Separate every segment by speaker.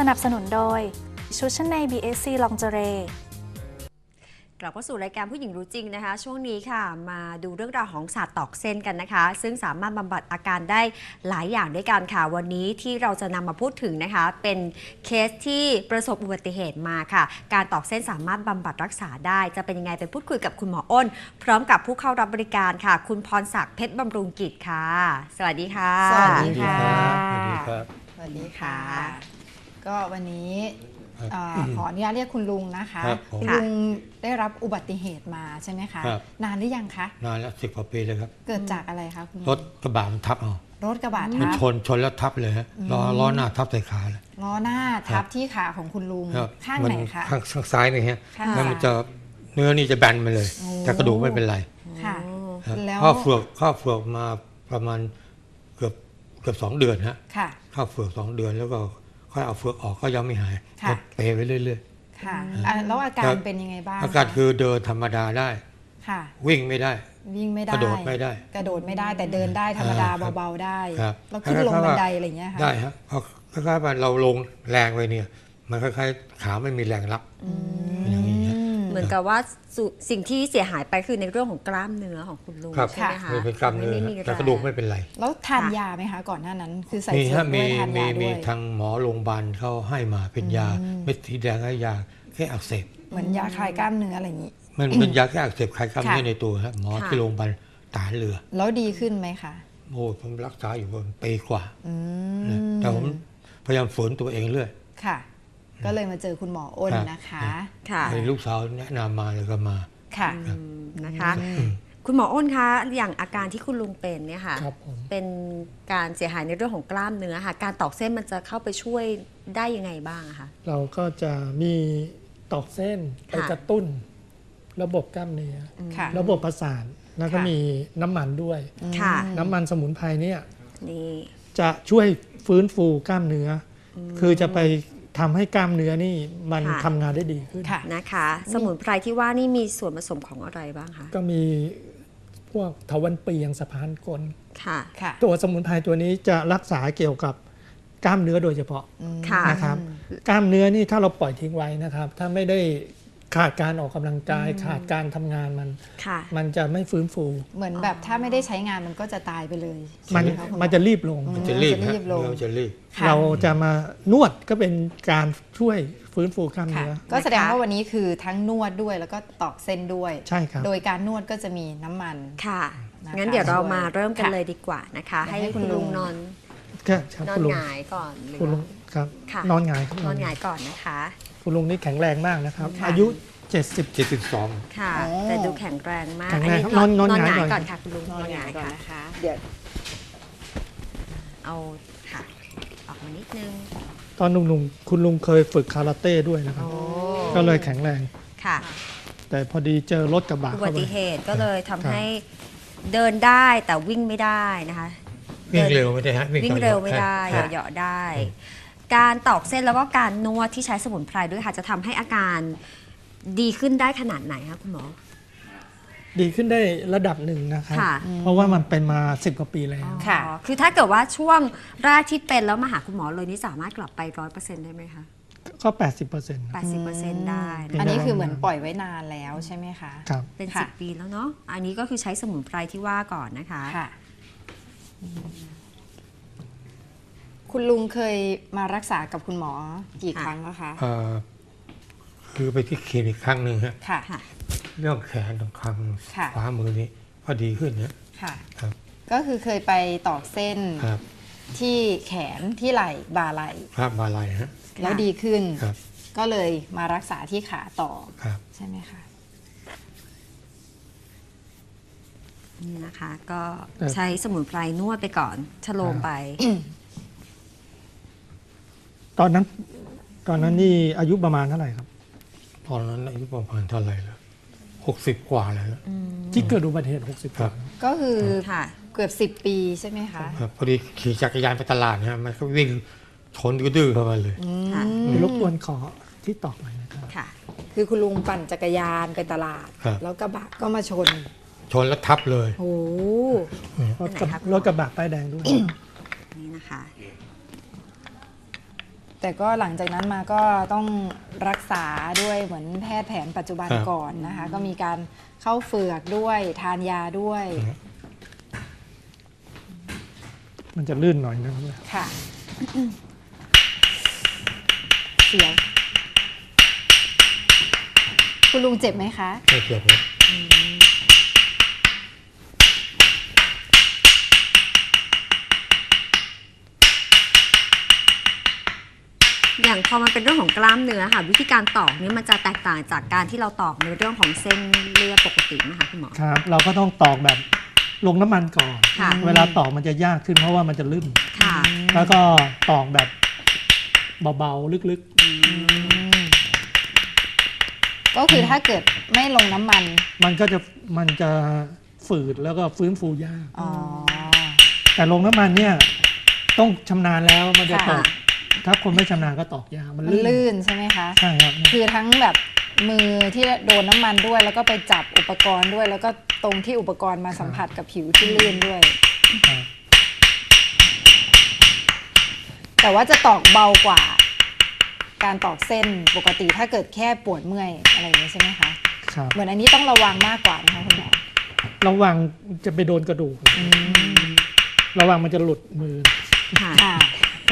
Speaker 1: นับสนุนโดยชุดชั้นใน BSC Lingerie
Speaker 2: กลับเข้าสู่รายการผู้หญิงรู้จริงนะคะช่วงนี้ค่ะมาดูเรื่องราวของศาสตร์ตอกเส้นกันนะคะซึ่งสามารถบำบัดอาการได้หลายอย่างด้วยกันค่ะวันนี้ที่เราจะนำมาพูดถึงนะคะเป็นเคสที่ประสบอุบัติเหตุมาค่ะการตอกเส้นสามารถบำบัดรักษาได้จะเป็นยังไงไปพูดคุยกับคุณหมออ้นพร้อมกับผู้เข้ารับบริการค่ะคุณพรศักดิ์เพชรบำรุงกิจค่ะสวัสดีค่ะ
Speaker 3: สวัสดีค่ะ
Speaker 4: สวัสดีครับ
Speaker 3: สวัสดีค่ะ ก็วันนี้ขออนุญาตเรียกคุณลุงนะคะ
Speaker 4: ครับผม
Speaker 3: คุณลุงได้รับอุบัติเหตุมาใช่ไหมคะ
Speaker 4: ครับ
Speaker 3: นานหรือยังคะ
Speaker 4: นานแล้ว10 กว่าปีเลยครับ
Speaker 3: เกิดจากอะไรคะคุณลุง
Speaker 4: รถกระบะมันทับเอา
Speaker 3: รถกระบะ
Speaker 4: มัน
Speaker 3: ทับ
Speaker 4: ชนแล้วทับเลยฮะล้อหน้าทับใส่ขาเลย
Speaker 3: ล้อหน้า
Speaker 4: ครั
Speaker 3: ทั
Speaker 4: บบ
Speaker 3: ที่ขาของคุณลุง
Speaker 4: ครับ
Speaker 3: ข้าง
Speaker 4: มั
Speaker 3: ไหนคะ
Speaker 4: ข้างซ้ายนี่ฮะ
Speaker 3: ข้าง
Speaker 4: แล้ว
Speaker 3: ซ้าย
Speaker 4: มันจะเนื้อนี่จะแบนไปเลย
Speaker 3: โอ้
Speaker 4: แต่กระดูกไม่เป็นไร
Speaker 3: ค่ะ
Speaker 4: ครับ
Speaker 3: แล้ว
Speaker 4: เข้าเฟือกมาประมาณเกือบ2 เดือนฮะ
Speaker 3: ค่ะ
Speaker 4: เข้าเฟือก2 เดือนแล้วก็ค่อยเอาเฟือกออกก็ยังไม่หาย
Speaker 3: ค่ะ
Speaker 4: ก็เปไปเรื่อย
Speaker 3: ค่ะแล้วอาการเป็นยังไงบ้าง
Speaker 4: ๆอาการคือเดินธรรมดาได้
Speaker 3: ค่ะ
Speaker 4: วิ่งไม่ได้
Speaker 3: วิ่งไม่ได้
Speaker 4: กระโดดไม่ได้
Speaker 3: กระโดดไม่ได้แต่เดินได้ธรรมดา
Speaker 4: ครับ
Speaker 3: เบาๆได้
Speaker 4: ครับ
Speaker 3: แล้วขึ้นลงบันไดอะไรอย่างเงี้ยค่ะ
Speaker 4: ได้ฮะเพราะคล้ายๆว่าเราลงแรงไปเนี่ยมันคล้ายๆขาไม่มีแรงรับอย่างนี้ฮะ
Speaker 2: เหมือนกับว่าสิ่งที่เสียหายไปคือในเรื่องของกล้ามเนื้อของคุณลุง
Speaker 4: ครับ
Speaker 2: ใช่ไหมคะ
Speaker 4: เป็นกล้ามเนื้อ
Speaker 2: ไม่มี
Speaker 4: แต่กระดูกไม่เป็นไร
Speaker 3: แล้วทานยาไหมคะก่อนหน้านั้น คือใส่
Speaker 4: มี
Speaker 3: เสื้อ
Speaker 4: ฮะ
Speaker 3: ด้
Speaker 4: มี
Speaker 3: วยทาน
Speaker 4: มี
Speaker 3: ยาด้
Speaker 4: มี
Speaker 3: วย
Speaker 4: ทางหมอโรงพยาบาลเขาให้มาเป็นยาเม็ดสีแดงให้ยาแค่อักเสบ
Speaker 3: เหมือนยาคลายกล้ามเนื้ออะไรอย่างนี้
Speaker 4: มันเป็นยาแค่อักเสบคลายกล้ามเนื้อ
Speaker 3: ค่ะ
Speaker 4: ในตัวฮะหมอที่โรงพยาบาลทหารเรือ
Speaker 3: แล้วดีขึ้นไหมคะ
Speaker 4: โอ้ผมรักษาอยู่ประมาณปีกว่า
Speaker 3: อื
Speaker 4: นะ
Speaker 3: ม
Speaker 4: แต่ผมพยายามฝืนตัวเองเรื่อย
Speaker 3: ค่ะ ก็เลยมาเจอคุณหมออ้น
Speaker 4: ครับ
Speaker 3: นะคะ
Speaker 2: ค่ะ
Speaker 4: ให้ลูกสาวแนะนำมาเลยก็มา
Speaker 3: ค่ะ
Speaker 2: นะคะ คุณหมออ้นคะอย่างอาการที่คุณลุงเป็นเนี่ยค่ะ
Speaker 5: ครับผม
Speaker 2: เป็นการเสียหายในเรื่องของกล้ามเนื้อค่ะการตอกเส้นมันจะเข้าไปช่วยได้ยังไงบ้างอะคะ
Speaker 5: เราก็จะมีตอกเส้นไป
Speaker 2: ค่ะ
Speaker 5: กระตุ้นระบบกล้ามเนื้อ
Speaker 3: ค่ะ
Speaker 5: ระบบประสาทแล้วก็
Speaker 3: ค่ะ
Speaker 5: มีน้ำมันด้วย
Speaker 2: ค่ะ
Speaker 5: น้ำมันสมุนไพรเนี่ย
Speaker 2: นี่
Speaker 5: จะช่วยฟื้นฟูกล้ามเนื้ออคือจะไปทำให้กล้ามเนื้อนี่มันทำงานได้ดีขึ้น
Speaker 3: ค่ะ
Speaker 2: นะคะ สมุนไพรที่ว่านี่มีส่วนผสมของอะไรบ้างคะ
Speaker 5: ก็มีพวกทวันเปียงสะพานกล
Speaker 2: ค่ะ
Speaker 3: ค่ะ
Speaker 5: ตัวสมุนไพรตัวนี้จะรักษาเกี่ยวกับกล้ามเนื้อโดยเฉพาะ
Speaker 2: ค่ะ
Speaker 5: นะครับกล้ามเนื้อนี่ถ้าเราปล่อยทิ้งไว้นะครับ ถ้าไม่ได้ขาดการออกกำลังกายขาดการทำงานมัน
Speaker 2: ค่ะ
Speaker 5: มันจะไม่ฟื้นฟู
Speaker 3: เหมือนแบบถ้าไม่ได้ใช้งานมันก็จะตายไปเลย
Speaker 5: มัน
Speaker 3: ใช่ไหคะคุณหอ
Speaker 5: มันจะรีบลง
Speaker 4: มันจะรีบ
Speaker 3: จะรี
Speaker 4: ฮะ
Speaker 3: บลง
Speaker 4: เนื้อมันจะรีบ
Speaker 3: ค่ะ
Speaker 5: เราจะมานวดก็เป็นการช่วยฟื้นฟูกล้าม
Speaker 3: ค่ะ
Speaker 5: เนื้อ
Speaker 3: ก็แสดงว่าวันนี้คือทั้งนวดด้วยแล้วก็ตอกเส้นด้วย
Speaker 5: ใช่ครับ
Speaker 3: โดยการนวดก็จะมีน้ำมัน
Speaker 2: ค่ะ
Speaker 3: นะคะ
Speaker 2: งั้นเดี๋ยวเรามาเริ่มกัน
Speaker 3: ค่ะ
Speaker 2: เลยดีกว่านะคะ
Speaker 3: เดี๋ยว
Speaker 2: ให้
Speaker 3: ให้คุ
Speaker 2: คุณ
Speaker 3: ณลุ
Speaker 2: ลุง
Speaker 3: ง
Speaker 2: นอน
Speaker 5: ก็ครับ
Speaker 2: นอน
Speaker 5: คุณลุง
Speaker 2: หงายก่อนหรือ
Speaker 5: คุณลุงครับ
Speaker 2: ค่ะ
Speaker 5: นอนหงายครับ
Speaker 2: นอนหงายก่อนนะคะ
Speaker 5: คุณลุงนี่แข็งแรงมากนะครับ
Speaker 2: ค่ะ
Speaker 5: อายุ 70
Speaker 4: 72
Speaker 2: ค่ะ
Speaker 3: โอ้
Speaker 2: แต่ดูแข็งแรงมาก
Speaker 5: แข็งแรงครับ
Speaker 2: น
Speaker 5: นอน
Speaker 2: ห
Speaker 5: หงาย
Speaker 2: งาย
Speaker 5: ก่อน
Speaker 2: ก่อนค่ะคุณลุง
Speaker 3: นอนหงายก่อน
Speaker 2: ค่ะ
Speaker 3: นะคะเดี๋ยว
Speaker 2: เอาค่ะ ออกมานิดนึง
Speaker 5: ตอนหนุ่มๆคุณลุงเคยฝึกคาราเต้ด้วยนะครับ ก็เลยแข็งแรง
Speaker 2: ค่ะ
Speaker 5: แต่พอดีเจอรถกระบะ
Speaker 2: อุ
Speaker 5: เข้า
Speaker 2: บั
Speaker 5: ไป
Speaker 2: ติเหตุก็เลยทำ
Speaker 5: ครับ
Speaker 2: ให้เดินได้แต่วิ่งไม่ได้นะคะ
Speaker 4: วิ่งเร็วไม่ได้ฮะ
Speaker 2: วิ่งเร็วไม่ได้
Speaker 4: ครับ
Speaker 2: เหยาะๆได้ การตอกเส้นแล้วก็การนวดที่ใช้สมุนไพรด้วยค่ะจะทำให้อาการดีขึ้นได้ขนาดไหนคะคุณหมอ
Speaker 5: ดีขึ้นได้ระดับหนึ่งนะครับ
Speaker 2: ค่ะ
Speaker 5: เพราะว่ามันเป็นมา10 กว่าปีแล้ว
Speaker 3: ค่ะ
Speaker 2: อ๋อคือถ้าเกิดว่าช่วงแรกที่เป็นแล้วมาหาคุณหมอเลยนี่สามารถกลับไป 100% ได้ไหมคะ
Speaker 5: ก็ 80%
Speaker 2: 80%ได้
Speaker 5: เป็
Speaker 3: อัน
Speaker 2: นะ
Speaker 3: นี้
Speaker 2: คะ
Speaker 3: คือเหมือนปล่อยไว้นานแล้วใช่ไหมคะ
Speaker 5: ครับ
Speaker 2: เป็น
Speaker 3: ค่ะ
Speaker 2: 10 ปีแล้วเนาะอันนี้ก็คือใช้สมุนไพรที่ว่าก่อนนะคะ
Speaker 3: ค่ะ คุณลุงเคยมารักษากับคุณหมอกี่ครั้งแล้วคะ
Speaker 4: คือไปที่คลินิกครั้งหนึ่งฮะ
Speaker 3: ค่ะ
Speaker 2: ค่ะ
Speaker 4: เรื่องแขนตรงข้าง
Speaker 3: ค่ะ
Speaker 4: ขวามือนี้ก็ดีขึ้นนะ
Speaker 3: ค่ะ
Speaker 4: ครับ
Speaker 3: ก็คือเคยไปตอกเส้น
Speaker 4: ครับ
Speaker 3: ที่แขนที่ไหล่บ่าไหล่
Speaker 4: ภาพมาลายฮะ
Speaker 3: แล้วดีขึ้น
Speaker 4: ครับ
Speaker 3: ก็เลยมารักษาที่ขาต่อ
Speaker 4: ครับ
Speaker 3: ใช่ไหมคะ
Speaker 2: นี่นะคะ ก็
Speaker 5: ครับ
Speaker 2: ใช้สมุนไพรนวดไปก่อนชะโลมไป
Speaker 5: ตอนนั้นนี่อายุประมาณเท่าไหร่ครับ
Speaker 4: ตอนนั้นอายุประมาณเท่าไหร่แล้ว60 กว่าแล้ว
Speaker 5: ที่เกิดอุบัติเหตุ 60
Speaker 4: ครับ
Speaker 3: ก็คือ
Speaker 2: ค่ะ
Speaker 3: เกือบ10 ปีใช่ไหมคะ
Speaker 4: ครับพอดีขี่จักรยานไปตลาดนะฮะมันก็วิ่งชนดื้อๆเข้ามาเลย
Speaker 2: ค่ะ
Speaker 5: รบกวนขอที่ตอกหน่อยนะครับ
Speaker 2: ค่ะ
Speaker 3: คือคุณลุงปั่นจักรยานไปตลาด
Speaker 4: ครับ
Speaker 3: แล้วกระบะก็มาชน
Speaker 4: ชนแล้วทับเลย
Speaker 3: โอ้
Speaker 5: รถกระบะป้ายแดงด้วย
Speaker 2: นี่นะคะ
Speaker 3: แต่ก็หลังจากนั้นมาก็ต้องรักษาด้วยเหมือนแพทย์แผนปัจจุบัน
Speaker 4: ครับ
Speaker 3: ก่อนนะคะ ก็มีการเข้าเฝือกด้วยทานยาด้วย
Speaker 5: มันจะลื่นหน่อยนะครับ
Speaker 3: ค่ะ เสียวคุณลุงเจ็บไหมคะ
Speaker 4: ไม่เจ็บเลย
Speaker 2: อย่างพอมันเป็นเรื่องของกล้ามเนื้อค่ะวิธีการตอกเนี่ยมันจะแตกต่างจากการที่เราตอกในเรื่องของเส้นเลือดปกติไหมคะคุณหมอ
Speaker 5: ครับ เราก็ต้องตอกแบบลงน้ำมันก่อน
Speaker 2: ค่ะ
Speaker 5: เวลาตอกมันจะยากขึ้นเพราะว่ามันจะลื่น
Speaker 2: ค่ะ
Speaker 5: แล้วก็ตอกแบบเบาๆลึก
Speaker 3: ก็คือถ้าเกิดไม่ลงน้ำมัน
Speaker 5: ๆ มันจะฝืดแล้วก็ฟื้นฟูยาก
Speaker 3: อ๋อ
Speaker 5: แต่ลงน้ำมันเนี่ยต้องชำนาญแล้วมันจะต
Speaker 3: ค่ะ
Speaker 5: อกถ้าคนไม่ชำนาญก็ตอกยากมัน
Speaker 3: มัน
Speaker 5: ลื่น
Speaker 3: ลื่นใช่ไหมคะ
Speaker 5: ใช่ครับ
Speaker 3: คือทั้งแบบมือที่โดนน้ำมันด้วย แล้วก็ไปจับอุปกรณ์ด้วย แล้วก็ตรงที่อุปกรณ์มาสัมผัสกับผิวที่ลื่นด้วย
Speaker 5: ครับ
Speaker 3: แต่ว่าจะตอกเบากว่า การตอกเส้นปกติถ้าเกิดแค่ปวดเมื่อยอะไรอย่างนี้ใช่ไหมคะ
Speaker 5: ครับ
Speaker 3: เหมือนอันนี้ต้องระวังมากกว่านะคะคุณหมอ
Speaker 5: ระวังจะไปโดนกระดูกระวังมันจะหลุดมือ
Speaker 2: ค่ะ
Speaker 3: ค่ะ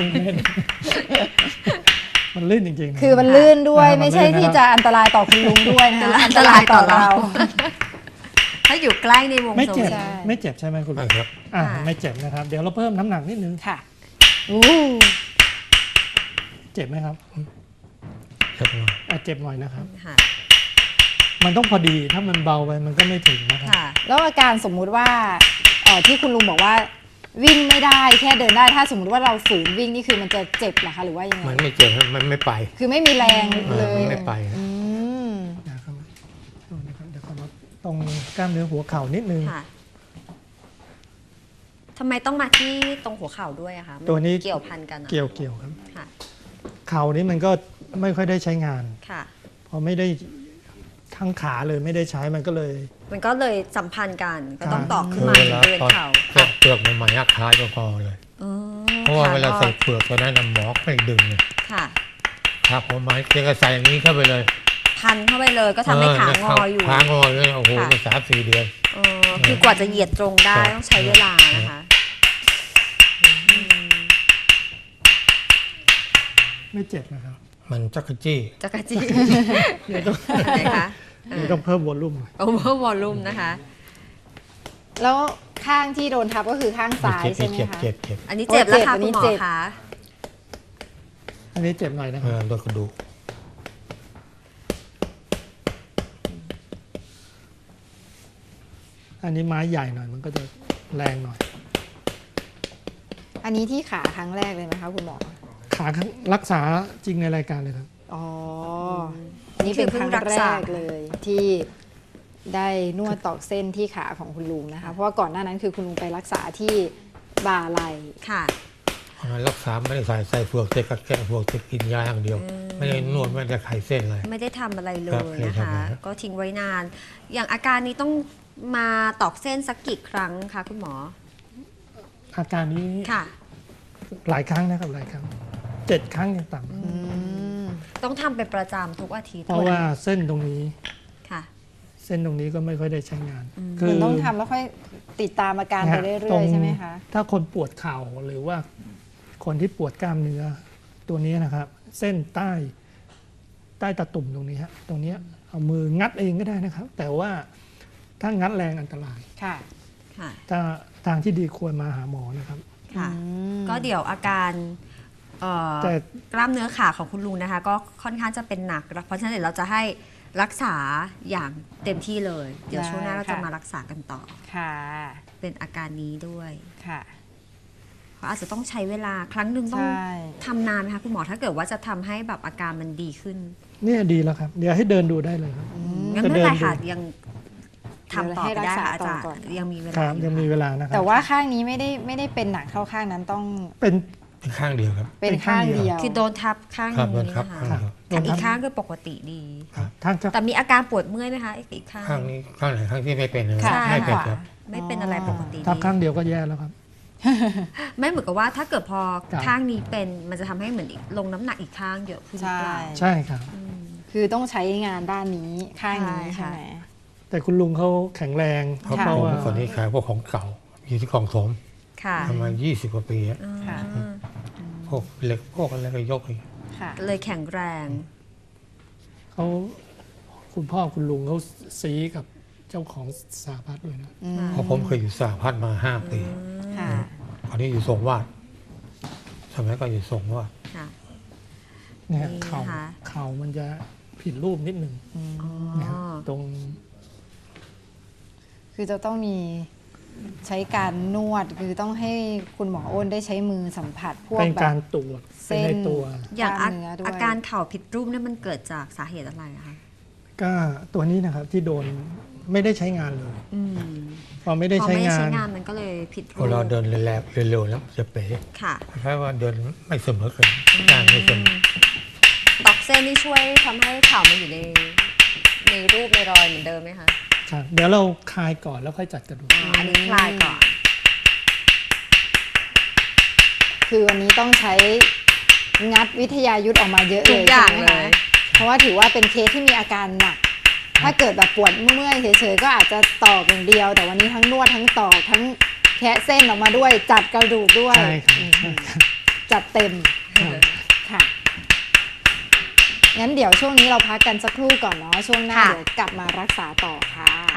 Speaker 5: มันลื่นจริงๆนะ
Speaker 3: คือมันลื่นด้วย
Speaker 5: มันลื่น
Speaker 3: ไม่ใช่
Speaker 5: นะครับ
Speaker 3: ที่จะอันตรายต่อคุณลุงด้วยนะคะ
Speaker 2: อันตรายต่อเรา ถ้าอยู่ใกล้ในวง
Speaker 5: ไม่
Speaker 2: โซ
Speaker 5: เจ็บ
Speaker 2: น
Speaker 3: ใช่
Speaker 5: ไม่เจ็บใช่ไหมคุณ
Speaker 4: ไม่
Speaker 5: ลุง
Speaker 4: ครับ
Speaker 5: อ่า
Speaker 2: ค่ะ
Speaker 5: ไม่เจ็บนะครับ เดี๋ยวเราเพิ่มน้ำหนักนิดนึง
Speaker 3: ค่ะอู้
Speaker 5: เจ็บไหมครับ
Speaker 4: เจ็บหน่อย
Speaker 5: เจ็บหน่อยนะครับ
Speaker 2: ค่ะ
Speaker 5: มันต้องพอดีถ้ามันเบาไปมันก็ไม่ถึงนะครับ
Speaker 2: ค่ะ
Speaker 3: แล้วอาการสมมุติว่าที่คุณลุงบอกว่าวิ่งไม่ได้แค่เดินได้ถ้าสมมุติว่าเราฝืนวิ่งนี่คือมันจะเจ็บเหรอคะหรือว่ายังไง
Speaker 4: มันไม่เจ็บมันไม่ไป
Speaker 3: คือไม่มีแรงเลย
Speaker 4: มันไม่ไป
Speaker 3: อืม
Speaker 5: นะครับเดี๋ยวขอมาตรงกล้ามเนื้อหัวเข่านิดนึง
Speaker 2: ค่ะทำไมต้องมาที่ตรงหัวเข่าด้วยอะคะมั
Speaker 5: ตัวนี้
Speaker 2: เกี่ยวพันกันอะ
Speaker 5: เกี่ยวครับ
Speaker 2: ค่ะ
Speaker 5: เข่านี้มันก็ไม่ค่อยได้ใช้งาน
Speaker 2: ค่ะ
Speaker 5: พอไม่ได้ทั้งขาเลยไม่ได้ใช้มันก็เลย
Speaker 2: มันก็เลยสัมพันธ์กันก็ต้อง
Speaker 5: ค่ะ
Speaker 2: ตอกขึ้
Speaker 4: คื
Speaker 2: น
Speaker 4: อ
Speaker 2: มา
Speaker 4: เวลา
Speaker 2: บริเวณ
Speaker 4: ตอน
Speaker 2: เข่า
Speaker 4: เปลือกใหม่ๆคล้ายก็พอเลย
Speaker 2: อ๋อ
Speaker 4: เพราะว่าเวลา
Speaker 2: ค่ะ
Speaker 4: ใส่เปลือกตัวนั้นน่ะหมอไม่ดึงเลย
Speaker 2: ค่ะ
Speaker 4: ครับผมหมายเพียงแต่ใส่อย่างนี้เข้าไปเลย
Speaker 2: พันเข้าไปเลยก็ทำให้ขางออยู่
Speaker 4: ขางออยู่โอ้โห
Speaker 2: ค่ะ
Speaker 4: มัน3-4 เดือน
Speaker 2: คือกว่าจะเหยียดตรงได้
Speaker 4: ครับ
Speaker 2: ต้องใช้เวลานะคะ
Speaker 5: ไม่เจ็บนะครับ
Speaker 4: มันจักรจี้
Speaker 2: จักรจี้
Speaker 5: เดี๋ยวต้อง
Speaker 2: ไหนคะ
Speaker 5: เดี๋ยวต้องเพิ่มวอลลุ่มหน่อย
Speaker 2: โอเวอร์วอลลุ่มนะคะ
Speaker 3: แล้วข้างที่โดนทับก็คือข้างซ้ายใช่ไหม
Speaker 4: เจ็บ
Speaker 3: คะ
Speaker 4: เจ็บเจ็บ
Speaker 2: อันนี้เจ็บแล้วค่ะ
Speaker 3: โอ้
Speaker 2: คุณหมอ
Speaker 3: เจ็บ
Speaker 2: คะ
Speaker 5: อันนี้เจ็บหน่อยนะครับ
Speaker 4: โดนกระดูก
Speaker 5: อันนี้ไม้ใหญ่หน่อยมันก็จะแรงหน่อย
Speaker 3: อันนี้ที่ขาครั้งแรกเลยไหมคะคุณหมอ
Speaker 5: ขารักษาจริงในรายการเลยครับ
Speaker 3: อ๋ออันนี่เป็นครั้งแรกเลยที่ได้นวดตอกเส้นที่ขาของคุณลุงนะคะ เพราะว่าก่อนหน้านั้นคือคุณลุงไปรักษาที่บ่าไหล่
Speaker 2: ค่ะ
Speaker 4: รักษาไม่ได้ใส่เฟือกเจ็บกับแก้เฟือกเจ็บกินยาอย่างเดียว ไม่ได้นวดไม่ได้ไขเส้นเลย
Speaker 2: ไม่ได้ทำอะไรเล
Speaker 4: ครับ
Speaker 2: ย
Speaker 4: ไม่ได้
Speaker 2: นะคะ
Speaker 4: ทำอะไร
Speaker 2: ก็ทิ้งไว้นาน อย่างอาการนี้ต้องมาตอกเส้นสักกี่ครั้งคะคุณหมอ
Speaker 5: อาการนี้
Speaker 2: ค่ะ
Speaker 5: หลายครั้งนะครับหลายครั้ง7 ครั้งอย่างต่ำ
Speaker 2: ต้องทำเป็นประจำทุกอาทิตย์
Speaker 5: เพราะว่าเส้นตรงนี้
Speaker 2: ค่ะ
Speaker 5: เส้นตรงนี้ก็ไม่ค่อยได้ใช้งาน
Speaker 3: คือต้องทำแล้วค่อยติดตามอาการไปเรื่
Speaker 5: ต
Speaker 3: อยๆใช่ไหมคะ
Speaker 5: ถ้าคนปวดเข่าหรือว่าคนที่ปวดกล้ามเนื้อตัวนี้นะครับ เส้นใต้ตาตุ่มตรงนี้ฮะตรงเนี้ยเอามืองัดเองก็ได้นะครับ แต่ว่าถ้างัดแรงอันตราย
Speaker 3: ค่ะ
Speaker 2: ค่ะ
Speaker 5: ถ้าทางที่ดีควรมาหาหมอนะครับ
Speaker 2: ค่ะ
Speaker 3: อืม
Speaker 2: ก็เดี๋ยวอาการ
Speaker 5: แต่
Speaker 2: กล้ามเนื้อขาของคุณลุงนะคะ ก็ค่อนข้างจะเป็นหนัก เพราะฉะนั้นเดี๋ยวเราจะให้รักษาอย่างเต็มที่เลย เดี๋ยวช่วงหน้าเราจะมารักษากันต่อ
Speaker 3: ค่ะ
Speaker 2: เป็นอาการนี้ด้วย
Speaker 3: ค่ะ
Speaker 2: เพราะอาจจะต้องใช้เวลาครั้งหนึ่งต้อง
Speaker 3: ใช่
Speaker 2: ทำนานไหมคะคุณหมอถ้าเกิดว่าจะทำให้แบบอาการมันดีขึ้น
Speaker 5: เนี่ยดีแล้วครับ เดี๋ยวให้เดินดูได้เลยครับ
Speaker 2: งั้นไม่เป็นไรค่ะ
Speaker 5: จะเดินดู
Speaker 2: ยังทำต่อไปได้ค่ะอาจารย์ยังมีเว
Speaker 5: ค
Speaker 2: ลา
Speaker 5: รับ
Speaker 2: อ
Speaker 5: ยังมีเวลานะครับ
Speaker 3: แต่ว่าข้างนี้ไม่ได้เป็นหนักเท่าข้างนั้นต้อง
Speaker 5: เป็น
Speaker 4: เป็นข้างเดียวครับ
Speaker 3: เป็นข้างเดียว
Speaker 2: คือโดนทับข้าง
Speaker 4: ครับ
Speaker 2: นี้
Speaker 4: ครับ
Speaker 2: นะคะ
Speaker 4: ข้างเดียว
Speaker 2: แต่อีกข้างก็ปกติดี
Speaker 5: ทางจะ
Speaker 2: แต่มีอาการปวดเมื่อยไหมคะอีกข้าง
Speaker 4: ข้างนี้ข้างไหนข้างที่ไม่เป็นเลย
Speaker 3: ค่ะ
Speaker 4: ไม่เป็น
Speaker 3: ขวา
Speaker 4: ครับ
Speaker 2: ไม่เป็นอะไรปกติ
Speaker 5: ทับ
Speaker 2: ดี
Speaker 5: ข้างเดียวก็แย่แล้วครับ
Speaker 2: ไม่เหมือนกับว่าถ้าเกิดพอ
Speaker 5: ครับ
Speaker 2: ข้างนี้เป็นมันจะทำให้เหมือนลงน้ำหนักอีกข้างเยอะขึ้นหรือเปล่า
Speaker 3: ใช่
Speaker 5: ใช่ครับ
Speaker 3: คือต้องใช้งานด้านนี้ข้างนี้
Speaker 2: ใช่
Speaker 3: ใช่
Speaker 2: ค่ะ
Speaker 3: ไหม
Speaker 5: แต่คุณลุงเขาแข็งแรง
Speaker 4: เพราะ
Speaker 3: ค่ะ
Speaker 4: ผม
Speaker 5: ว่า
Speaker 4: เมื่อก่อนนี้ขายพวกของเก่า อยู่ที่คลองถม
Speaker 2: ค่ะ
Speaker 4: ประมาณ20 กว่าปีอะ
Speaker 3: ค่ะ
Speaker 4: พวกเหล็กพวกอะไรก็ยกอีก
Speaker 3: ค่ะ
Speaker 2: เลยแข็งแรง
Speaker 5: เขาคุณพ่อคุณลุงเขาซีกับเจ้าของสหพัฒน์ด้วยนะ
Speaker 4: เพราะผมเคยอยู่สหพัฒน์มา5 ปี
Speaker 3: ค่ะ
Speaker 4: ตอนนี้อยู่ทรงวาดสมัยก็อยู่ทรงวาด
Speaker 2: ค่ะ
Speaker 5: เนี่ย
Speaker 2: นี่
Speaker 5: เข่า
Speaker 2: นะคะ
Speaker 5: เข่ามันจะผิดรูปนิดหนึ่ง
Speaker 2: อ๋อ
Speaker 5: นะครับตรง
Speaker 3: คือจะต้องมีใช้การนวด คือต้องให้คุณหมออ้นได้ใช้มือสัมผัสพวก
Speaker 5: เป็น
Speaker 3: แบ
Speaker 5: การ
Speaker 3: บ
Speaker 5: ตรวจ
Speaker 3: เส้
Speaker 5: เป็น
Speaker 3: น
Speaker 5: ในตัว
Speaker 2: อย่าง
Speaker 3: กล้ามเนื้อด้วย
Speaker 2: อาการเข่าผิดรูปเนี่ยมันเกิดจากสาเหตุอะไรอะคะ
Speaker 5: ก็ตัวนี้นะครับที่โดนไม่ได้ใช้งานเลย
Speaker 2: อืม
Speaker 5: พอไม่ได้
Speaker 2: พอ
Speaker 5: ใช้
Speaker 2: ไม่ได้
Speaker 5: งา
Speaker 2: ใช้
Speaker 5: น
Speaker 2: งานมันก็เลยผิด
Speaker 4: พ
Speaker 2: รู
Speaker 4: อ
Speaker 2: ป
Speaker 4: เราเดินแรงๆเร็วๆแล้วจะเป๋
Speaker 2: ค่ะ
Speaker 4: คล้ายๆว่าเดินไม่เสมอกันงานไม่เสมอ
Speaker 2: ตอกเส้นนี่ช่วยทำให้เข่ามันอยู่ในรูปในรอยเหมือนเดิมไหมคะ
Speaker 5: ครับเดี๋ยวเราคลายก่อนแล้วค่อยจัดกระดูก
Speaker 2: อันนี้คลายก่อน
Speaker 3: คือวันนี้ต้องใช้งัดวิทยายุทธออกมาเยอะ
Speaker 2: ทุ
Speaker 3: เล
Speaker 2: ก
Speaker 3: ย
Speaker 2: อย่าง
Speaker 3: ใช่ไหม
Speaker 2: เลย
Speaker 3: คะเพราะว่าถือว่าเป็นเคสที่มีอาการหนัก ถ้าเกิดแบบปวดเมื่อยเฉยๆก็อาจจะตอกอย่างเดียว แต่วันนี้ทั้งนวดทั้งตอกทั้งแคะเส้นออกมาด้วย จัดกระดูกด้วย
Speaker 5: ใช่ครับ
Speaker 3: อืม
Speaker 5: ใช่ครับ
Speaker 3: จัดเต็ม
Speaker 5: ครับ
Speaker 3: ค่ะ งั้นเดี๋ยวช่วงนี้เราพักกันสักครู่ก่อนเนาะ ช่วงหน้า
Speaker 2: ค่ะ
Speaker 3: เดี๋ยวกลับมารักษาต่อค่ะ